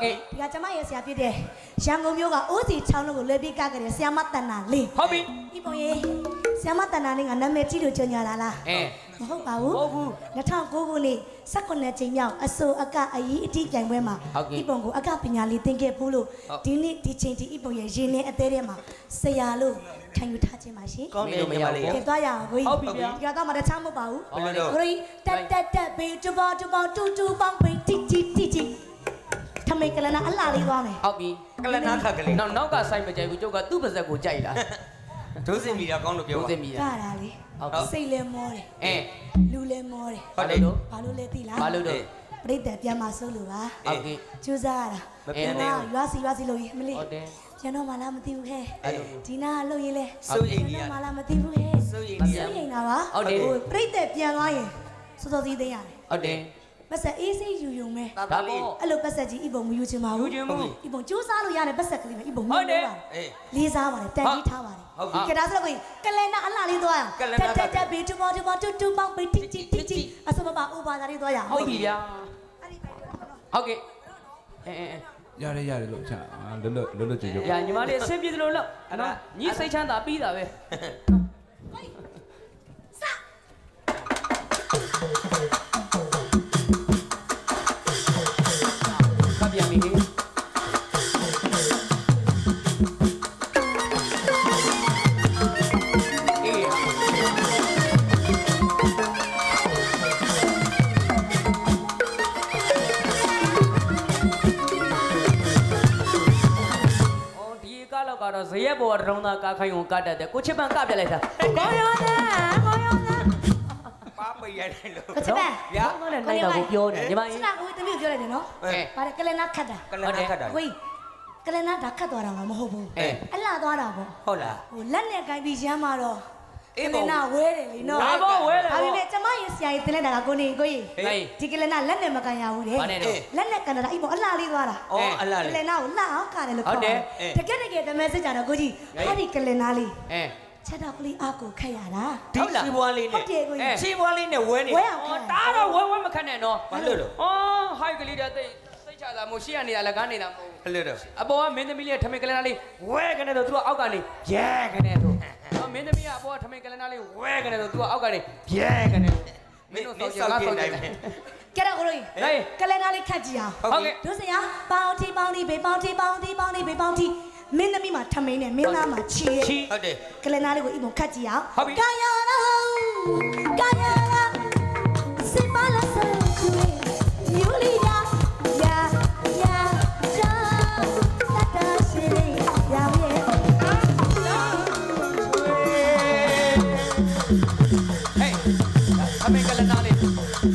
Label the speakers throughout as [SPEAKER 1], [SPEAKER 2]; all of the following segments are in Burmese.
[SPEAKER 1] ဒီကကျမရဲ့ဆရာဖြစ်တဲ့ရန်ကုန်မြို့ကအိုးစီချောင်းလုံးကိုလွယ်ပြီးကခဲ့တဲ့ဆရာမတန်နာလေး
[SPEAKER 2] ဟုတ်ပြီ
[SPEAKER 1] ဒီပုံရေးဆရာမတန်နာလေးကနာမည်ကြီးလို့ကြော်ညာလာလားမဟုတ်ပါဘူး
[SPEAKER 2] ဟုတ်ဘူး
[SPEAKER 1] 2009ခုနှစ်19ချိန်မြောက်အစိုးအကအရေးအတီးပြိုင်ပွဲမှာဒီပုံကိုအကပညာလေးသင်ခဲ့ဖို့လို့ဒီနေ့ဒီချိန်ဒီပုံရဲ့ရင်းနှင်းအသေးထဲမှာဆရာလို့ခံယူထားခြင်းပါရှင်
[SPEAKER 2] ကောင်းတယ်မရလေး
[SPEAKER 1] ကဲသွားရအောင်ကိုကြီးဒီကတော့မှတခြားမဟုတ်ပါဘူးကိုကြီးတက်ဘေးတူပေါတူပေါတူပေါင်းဘေးတီတီထမိတ်ကလနာအလှလေးသွားမယ်
[SPEAKER 2] ဟုတ်ပြီ
[SPEAKER 3] ကလနာခက်ကလေး
[SPEAKER 2] နောက်ကဆိုင်မကြိုက်ဘူးကျုပ်ကသူ့ပါဇက်ကိုကြိုက်လား
[SPEAKER 3] ဒုစင်မီတာကောင်းလို့ပြောပါ
[SPEAKER 2] ဒုစင်မီတာ
[SPEAKER 1] ကတာလေစိတ်လဲမောတယ်လူလဲမောတယ်
[SPEAKER 2] ဟုတ်တယ်လို့
[SPEAKER 1] ဘာလို့လဲသိလား
[SPEAKER 2] ဘာလို့တော့
[SPEAKER 1] ပြိတ္တပြန်มาစိုးလို့ပါ
[SPEAKER 2] ဟုတ်ကဲ့
[SPEAKER 1] ကျူးစားရတာ
[SPEAKER 3] မပြတ်နဲ့
[SPEAKER 1] ရွာစီလို့မလေး
[SPEAKER 2] ဟုတ်တယ်
[SPEAKER 1] ကျွန်တော်မှလားမသိဘူးခဲဒီနာလှုပ်ရင်လဲ
[SPEAKER 3] စိုးရင်ကြီးရ
[SPEAKER 1] မှလားမသိဘူးခဲ
[SPEAKER 3] စိုးရင်
[SPEAKER 1] တာပါ
[SPEAKER 2] ဟုတ်တယ်
[SPEAKER 1] ပြိတ္တပြန်သွားရင်စောစောစီးသိရတယ်
[SPEAKER 2] ဟုတ်တယ်
[SPEAKER 1] ပတ်ဆက်အေးစိယူယုံမဲ
[SPEAKER 2] ဒါပေါ့
[SPEAKER 1] အဲ့လိုပတ်ဆက်ကြီးဤပုံမယူချင်ပါဘူး
[SPEAKER 2] ယူချင်ဘူး
[SPEAKER 1] ဤပုံကျိုးစားလို့ရတယ်ပတ်ဆက်ကလေးပဲဤပုံမယူပါဘူးလေးစားပါတယ်တန်ကြီးထားပါတယ်
[SPEAKER 3] ဟုတ်ပြီ
[SPEAKER 1] ကဲဒါဆိုတော့ကိုကလနာအလှလေးသွားရအောင်တက်ဘေးတူပေါတူပေါတူပေါဘေးတီအစမပါဥပါဒါလေးသွားရအောင်
[SPEAKER 2] ဟုတ်ပြီဗျာဟုတ်ကဲ့
[SPEAKER 4] ရတယ်လို့ချာလွတ်ကြွကြွ
[SPEAKER 2] ညာညီမလေးအဆင်ပြေတယ်လို့လို့နော်ညီစိတ်ချမ်းသာပြီးတာပဲပြန်ပြီကတော့ဇရက်ဘော်တရုံးသားကားခိုင်းုံကတ်တတ်တယ်ကိုချစ်ပန်ကပြလိုက်တာကောင်းရော
[SPEAKER 3] ပါပိတ်ရတယ်လို့
[SPEAKER 1] ချစ်ပန်
[SPEAKER 2] ဗျာကောင်းတယ်နိုင်တော့ကိုပြောတယ်ညီမကြီး
[SPEAKER 1] စတာကိုတမျိုးပြောလိုက်တယ်နော်ပါတယ်ကလနာခတ်တာ
[SPEAKER 3] ကလနာခတ်တာ
[SPEAKER 1] ကိုကလနာဒါခတ်သွားတာမှမဟုတ်ဘူးအလှသွားတာပေါ့
[SPEAKER 3] ဟုတ်လား
[SPEAKER 1] ဟိုလက်နဲ့ကိုင်းပြီးရမ်းมาတော့ကလနာဝဲတယ်လीနော်
[SPEAKER 2] ဒါပေါ့ဝဲတယ်
[SPEAKER 1] ဒါပေမဲ့ကျမရဲ့ဆရာကြီးတင်လိုက်တာကကိုနေကိုကြီးဒီကလနာလက်နဲ့မကန်ရဘူးလေလက်နဲ့ကန်တာအဲ့ပေါ့အလှလေးသွားတာ
[SPEAKER 3] အလှလေး
[SPEAKER 1] ကလနာကိုလှအောင်ကတယ်လို့ခေါ်တယ်တကယ်သမဲစစ်ကြတော့ကိုကြီးအဲ့ဒီကလနာလေးချက်တော့ကလေးအကိုခက်ရတာ
[SPEAKER 3] ဒီချီပွားလေးနဲ့ချီပွားလေးနဲ့ဝဲနေ
[SPEAKER 2] တားတော့ဝဲမခက်နဲ့နော်
[SPEAKER 3] ဘာလို့လဲ
[SPEAKER 2] ဟိုက်ကလေးတဲ့သိချတာမို့ရှေ့ကနေလည်းကားနေတာမဟုတ်
[SPEAKER 3] ဘူးအဲ့လိုတော့
[SPEAKER 2] အပေါ်ကမင်းသမီးလေးထမင်းကလနာလေးဝဲကနေတော့သူကအောက်ကနေရဲကနေတော့မင်းသမီးကအပေါ်ကထမင်းကလနာလေးဝဲကနေတော့သူကအောက်ကနေရဲကနေ
[SPEAKER 3] မင်းတို့ဆောက်ကြည့်နိုင်မယ်
[SPEAKER 1] ကဲတော့ကိုကြီးကလနာလေးခတ်ကြည့်အောင်
[SPEAKER 2] ဟုတ်ကဲ့
[SPEAKER 1] ဒုစရပေါင်းတီဘေးပေါင်းတီမင်းသမီးမှာထမင်းနဲ့မင်းသားမှာချီရဲ့
[SPEAKER 3] ဟုတ်တယ်
[SPEAKER 1] ကလနာလေးကိုအိမ်မှာခတ်ကြည့်အောင်
[SPEAKER 2] ကာယာ
[SPEAKER 1] စစ်ပါလားဆူယူလီယာ
[SPEAKER 2] အမေကလည်းနားလေး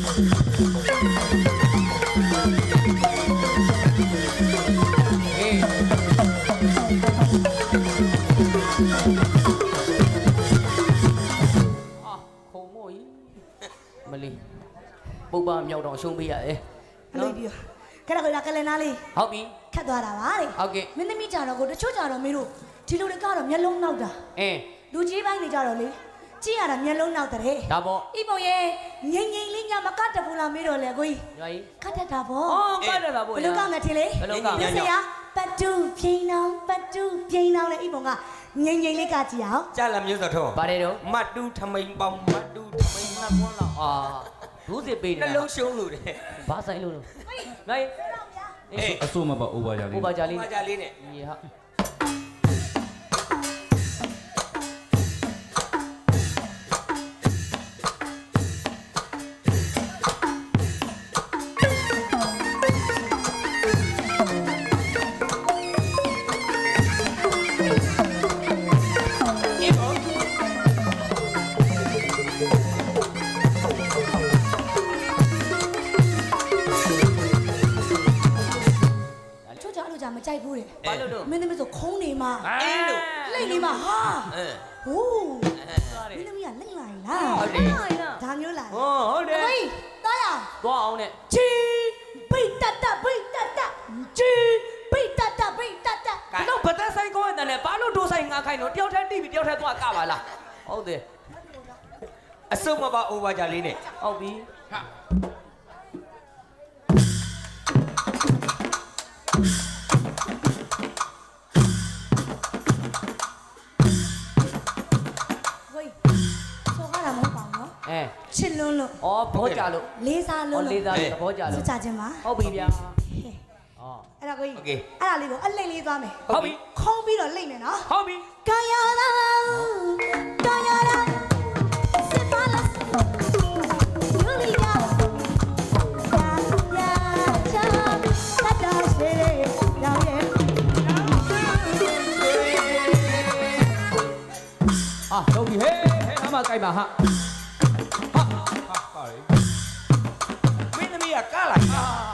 [SPEAKER 2] ခုံမို့မလီပုပ္ပမြောက်တော့ရှုံးပေးရတယ်
[SPEAKER 1] အလေးပြီးကဲတော့ကလည်းနားလေး
[SPEAKER 2] ဟုတ်ပြီ
[SPEAKER 1] ခတ်သွားတာပါတဲ့
[SPEAKER 2] ဟုတ်ကဲ့
[SPEAKER 1] မင်းသမီးကြတော့ကိုတချို့ကြတော့မင်းတို့ဒီလိုတွေကတော့မျက်လုံးနောက်တာလူကြီးပိုင်းတွေကြတော့လေကြည့်ရတာမျက်လုံးနောက်တဲ့
[SPEAKER 2] ဒါပေါ့
[SPEAKER 1] ဤပုံရဲ့ငိမ့်လေးညမကတ်တဘူးလားမေးတော့လေကိုကြီးကတ်တတ်တာပေါ့
[SPEAKER 2] ကတ်တတ်တာပေါ့
[SPEAKER 1] ဘယ်လိုကမယ်ထင်လေ
[SPEAKER 2] ဘယ်လိုကမလဲ
[SPEAKER 1] ဆရာပတ်တူပြင်းနောင်နဲ့ဤပုံကငိမ့်လေးကကြည့်အောင်
[SPEAKER 3] ကြားလာမျိုးစောထုံး
[SPEAKER 2] ပါတယ်တော့
[SPEAKER 3] မတူထမိန်ပေါင်းမတူထမိန်နှစ်ပွန်းလောက်
[SPEAKER 2] ဘူးစစ်ပေးတယ်
[SPEAKER 3] နှလုံးရှုံးလို့တယ်
[SPEAKER 2] ဘာဆိုင်လို့ငါ
[SPEAKER 4] အဆိုးမပါအိုဘာကြလေး
[SPEAKER 3] နဲ့
[SPEAKER 2] ရေဟာ
[SPEAKER 1] မကြိုက်ဘူးတဲ့
[SPEAKER 2] ဘာလို့တော့
[SPEAKER 1] မင်းသမီးဆိုခုံးနေမှာ
[SPEAKER 3] အေးလို့
[SPEAKER 1] လိမ့်နေမှာဟာဟိုးမင်းသမီးကလိမ့်လာလား
[SPEAKER 2] ဟုတ်တယ်
[SPEAKER 1] ဒါမျိုးလား
[SPEAKER 2] ဟုတ်တယ်
[SPEAKER 1] ဟေးတားရ
[SPEAKER 2] သွားအောင်နဲ့
[SPEAKER 1] ချီဘိတ်တတ်ချီဘိတ်တတ်
[SPEAKER 2] တော့ဗသက်ဆိုင်ကောင်းတဲ့နဲ့ဘာလို့ဒိုးဆိုင်ငါခိုင်းတော့တယောက်တည်းတိပြီးတယောက်တည်းသွားကပါလားဟုတ်တယ်
[SPEAKER 3] အစုံမပါအိုဘာကြလေးနဲ့
[SPEAKER 2] ဟုတ်ပြီဟာ
[SPEAKER 1] ဝေးဆိုကားတာမဟုတ်ပါဘူးနော်
[SPEAKER 2] အဲ
[SPEAKER 1] ချစ်လွန်းလို့
[SPEAKER 2] ဩဘောကြလို့
[SPEAKER 1] လေးစားလွန်း
[SPEAKER 2] လေး
[SPEAKER 1] လို့
[SPEAKER 2] သားသဘောကြ
[SPEAKER 1] စ
[SPEAKER 2] လို့
[SPEAKER 1] ကြခြင်းပါ
[SPEAKER 2] ဟုတ်ပြီဗျာဩ
[SPEAKER 1] အဲ့ဒါကိုကြီးအဲ့ဒါလေးကိုအလိမ့်လေးသွားမယ်
[SPEAKER 2] ဟုတ်ပြီ
[SPEAKER 1] ခုံးပြီးတော့လိမ့်မယ်နော်
[SPEAKER 2] ဟုတ်ပြီ
[SPEAKER 1] ကာယရာကာယရာစစ်ပါလားယူလီယာယာချာတတ်တာရှိရောင်ရဲ့
[SPEAKER 2] အာဟုတ်ပြီဟေးအမကြိုက်ပါဟာ
[SPEAKER 4] ဟာပါလေ
[SPEAKER 3] မင်းသမီးကကလာတာ